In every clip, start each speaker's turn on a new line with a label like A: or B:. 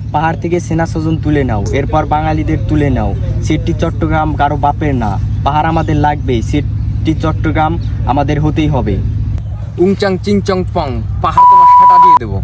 A: পাহাড় থেকে সেনা স্বজন তুলে নাও, এরপর বাঙালিদের তুলে নাও। সিটি চট্টগ্রাম কারো বাপের না, পাহাড় আমাদের লাগবে, সিটি চট্টগ্রাম আমাদের হতেই হবে।
B: উংচাং চিংচং পং, পাহাড় তোমার সাটা দিয়ে দেবো।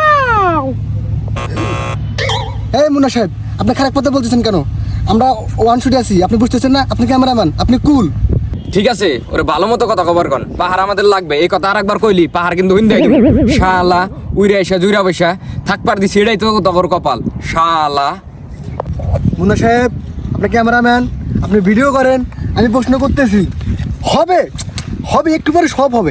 C: এই মুন্না সাহেব, আপনি খারাপ কথা বলতেছেন কেন? আমরা ওয়ান শুটে আছি, আপনি বুঝতেছেন না? আপনি ক্যামেরাম্যান, আপনি কুল।
B: ঠিক আছে, ওরে ভালো মতো কথা খবর কন, পাহাড় আমাদের লাগবে এই কথা আর একবার কইলি পাহাড় কিন্তু হইন দেয় শালা। উইরা এসা জুইরা বসা থাকবার দিছি, এটাই তো তোর কপাল শালা।
C: মুন্না সাহেব, আপনি ক্যামেরাম্যান, আপনি ভিডিও করেন, আমি প্রশ্ন করতেছি। হবে হবে, একটু পরে সব হবে।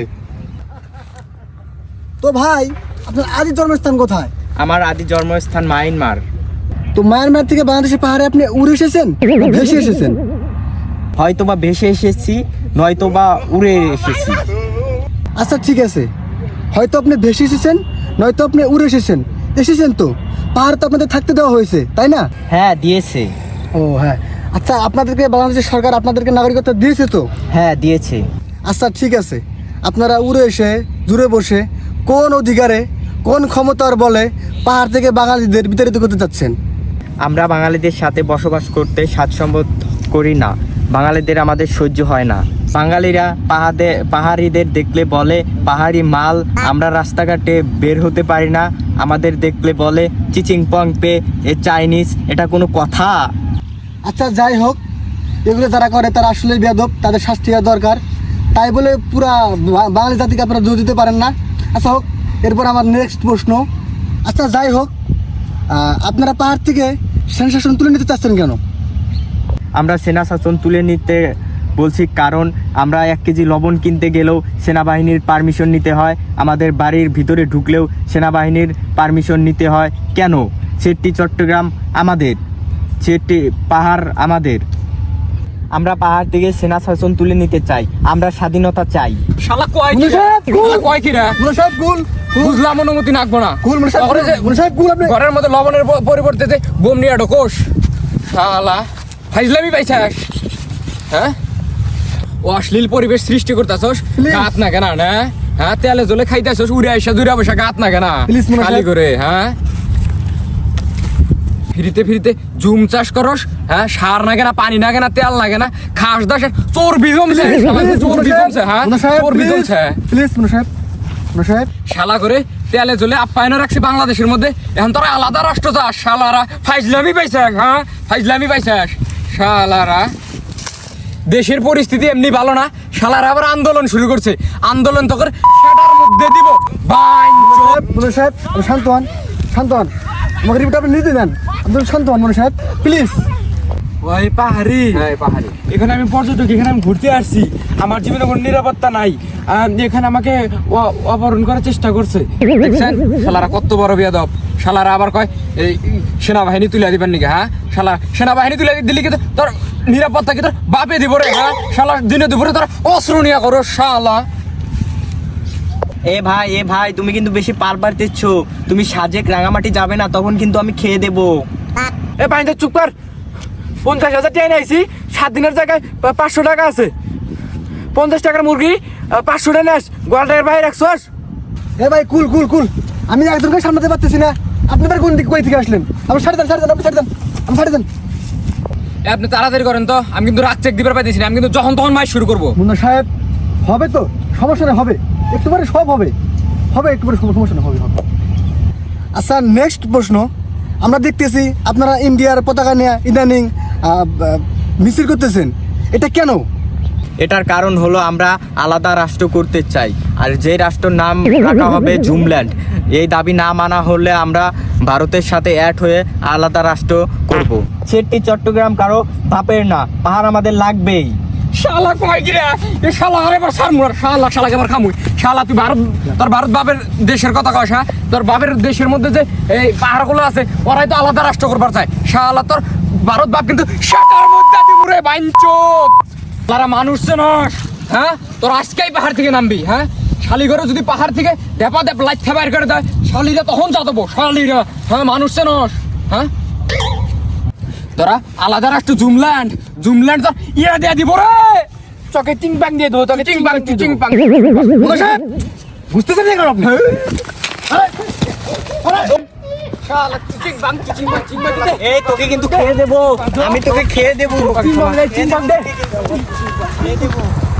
C: তো ভাই, আপনার আদি জন্মস্থান কোথায়?
A: আমার আদি জন্মস্থান মায়ানমার।
C: তো মায়ানমার থেকে বাংলাদেশের পাহাড়ে আপনি উড়ে এসেছেন, ভেসে এসেছেন?
A: হয়তোবা ভেসে এসেছি, নয়তোবা উড়ে এসেছি।
C: আচ্ছা ঠিক আছে, হয়তো আপনি ভেসে এসেছেন, নয়তো আপনি উড়ে এসেছেন। এসেছেন তো, পাহাড় তো আপনাদের থাকতে দেওয়া হয়েছে, তাই না?
A: হ্যাঁ দিয়েছে।
C: ও হ্যাঁ, আচ্ছা আপনাদেরকে বাংলাদেশের সরকার আপনাদেরকে নাগরিকত্ব দিয়েছে তো?
A: হ্যাঁ দিয়েছে।
C: আচ্ছা ঠিক আছে, আপনারা উড়ে এসে জুড়ে বসে কোন অধিকারে, কোন ক্ষমতার বলে পাহাড় থেকে বাঙালিদের বিতাড়িত করতে চাচ্ছেন?
A: আমরা বাঙালিদের সাথে বসবাস করতে স্বাচ্ছন্দ্য করি না, বাঙালিদের আমাদের সহ্য হয় না। বাঙালিরা পাহাড়িদের দেখলে বলে পাহাড়ি মাল। আমরা রাস্তাঘাটে বের হতে পারি না, আমাদের দেখলে বলে চিচিং পং পে, এ চাইনিজ। এটা কোনো কথা?
C: আচ্ছা যাই হোক, এগুলো যারা করে তারা আসলে বেয়াদব, তাদের শাস্তি হওয়া দরকার। তাই বলে পুরা বাঙালি জাতিকে আপনারা দোষ দিতে পারেন না। আচ্ছা হোক, এরপর আমার নেক্সট প্রশ্ন। আচ্ছা যাই হোক, আপনারা পাহাড় থেকে সেনসেশন তুলে নিতে চাচ্ছেন কেন?
A: আমরা সেনা শাসন তুলে নিতে বলছি কারণ আমরা 1 কেজি লবণ কিনতে গেলেও সেনাবাহিনীর পারমিশন নিতে হয়, আমাদের বাড়ির ভিতরে ঢুকলেও সেনাবাহিনীর পারমিশন নিতে হয়। কেন? সিটি চট্টগ্রাম আমাদের, সিটি পাহাড় আমাদের। আমরা পাহাড় থেকে সেনা শাসন তুলে নিতে চাই, আমরা স্বাধীনতা চাই।
B: শালা কয় কি কয় কি রে?
C: মুন্না সাহেব কুল,
B: বুঝলাম, অনুমতি নাকবো না।
C: কুল মুন্না সাহেব, মুন্না সাহেব কুল। আপনি
B: ঘরের মধ্যে লবণের পরিবর্তে বোম নিয়ে ঢোকোস শালা, ফাইজলামি পাইছাস? হ্যাঁ, ও অশ্লীল পরিবেশ সৃষ্টি করতেছস, গাত না কেনা না? হ্যাঁ, তেলে জলে খাইতেছস, উড়ে আইসা জুড়ে বসা গাত না কেনা খালি করে? হ্যাঁ, ফিরিতে ফিরিতে জুম চাষ করস, হ্যাঁ, সার না কেনা, পানি না কেনা, তেল না কেনা, খাস দাস চর্বি জমছে, চর্বি জমছে। হ্যাঁ, চর্বি জমছে।
C: প্লিজ মুন্না সাহেব, মুন্না সাহেব।
B: শালা করে তেলে জলে আপ্যায়ন রাখছি বাংলাদেশের মধ্যে, এখন তোরা আলাদা রাষ্ট্র চাস শালারা। ফাইজলামি পাইছাস, হ্যাঁ, ফাইজলামি পাইছাস শালারা। দেশের পরিস্থিতি এমনি ভালো না, শালারা আবার আন্দোলন শুরু করছে। আন্দোলন তোকে সেটার মধ্যে দিব।
C: মুন্না সাহেব শান্ত হন, শান্ত হন। আমাকে রিপোর্ট আপনি নিতে দেন, আপনি শান্ত হন মুন্না সাহেব প্লিজ।
D: ওই পাহাড়ি,
B: হ্যাঁ পাহাড়ি,
D: এখানে আমি পর্যটক, এখানে আমি ঘুরতে আসছি, আমার জীবনে কোনো নিরাপত্তা নাই। এখানে আমাকে অপহরণ করার চেষ্টা করছে।
B: দেখছেন শালারা কত বড় বেয়াদব। শালারা আবার কয় এই সেনাবাহিনী তুলে দিবেন নাকি? হ্যাঁ, শালা সেনাবাহিনী তুলে দিলি কি তোর নিরাপত্তা কি তোর বাপে দিব রে? হ্যাঁ, শালা দিনে দুপুরে তোর অস্ত্র নিয়ে করো শালা।
A: এ ভাই তুমি কিন্তু বেশি পার পারতেছ। তুমি সাজেক রাঙামাটি যাবে না, তখন কিন্তু আমি খেয়ে দেবো।
D: এ পানিতে চুপ কর। 50,000 টাকা নিয়েছি, 7 দিনের জায়গায় 500 টাকা আছে। 50 টাকার মুরগি 500 টাকা নেস, গোয়ালটার বাইরে রাখছস।
C: এ ভাই কুল কুল কুল, আমি একজনকে সামলাতে পারতেছি না। আপনি এবার কোন দিক কই থেকে আসলেন? আপনি ছাড়ে দেন, ছাড়ে দেন, আপনি ছাড়ে দেন, আমি ছাড়ে দেন।
B: আপনি তাড়াতাড়ি করেন তো, আমি কিন্তু রাত চেক দিবার পাইতেছি না। আমি কিন্তু যখন তখন মাইক শুরু করবো।
C: মুন্না সাহেব হবে তো, সমস্যা নেই, হবে, একটু পরে সব হবে, হবে একটু পরে, সমস্যা নেই, হবে হবে। আচ্ছা নেক্সট প্রশ্ন। আমরা দেখতেছি আপনারা ইন্ডিয়ার পতাকা নিয়ে ইদানিং মিছিল করতেছেন, এটা কেন?
A: এটার কারণ হলো আমরা আলাদা রাষ্ট্র করতে চাই, আর যে রাষ্ট্রের নাম রাখা হবে জুমল্যান্ড। এই দাবি না মানা হলে আমরা ভারতের সাথে অ্যাড হয়ে আলাদা রাষ্ট্র করব। সিটি চট্টগ্রাম কারো বাপের না, পাহাড় আমাদের লাগবেই।
B: শালা কয় কি রে? এ শালা আরে বার সার মুর শালা, শালাকে আবার খামুই। শালা তুই তোর ভারত বাপের দেশের কথা কস? হ্যাঁ, তোর বাপের দেশের মধ্যে যে এই পাহাড়গুলো আছে, ওরাই তো আলাদা রাষ্ট্র করবার চায়। শালা তোর ভারত বাপ কিন্তু সেটার মধ্যে মুরে বাইঞ্চোদ। তারা মানুষ চেনস? হ্যাঁ, তোর আজকেই পাহাড় থেকে নামবি। হ্যাঁ, শালিঘরে যদি পাহাড় থেকে দেপা দেপ লাইট বাইর করে দেয়, শালিরা তখন যা দেবো শালিরা। হ্যাঁ, মানুষ চেনস? হ্যাঁ, তোরা আলাদা রাষ্ট্র জুমল্যান্ড, জুমল্যান্ড তোর ইয়ে দিয়ে দিব রে,
D: চকে চিং পাং দিয়ে দেবো, তোকে
B: চিং পাং চিং পাং।
C: মুন্না সাহেব বুঝতেছেন না কেন আপনি?
B: শালা চিং বাং দে
A: এই তোকে কিন্তু খেয়ে দেবো, আমি তোকে খেয়ে দেবো।
B: চিং বাং দে
A: খেয়ে দেবো।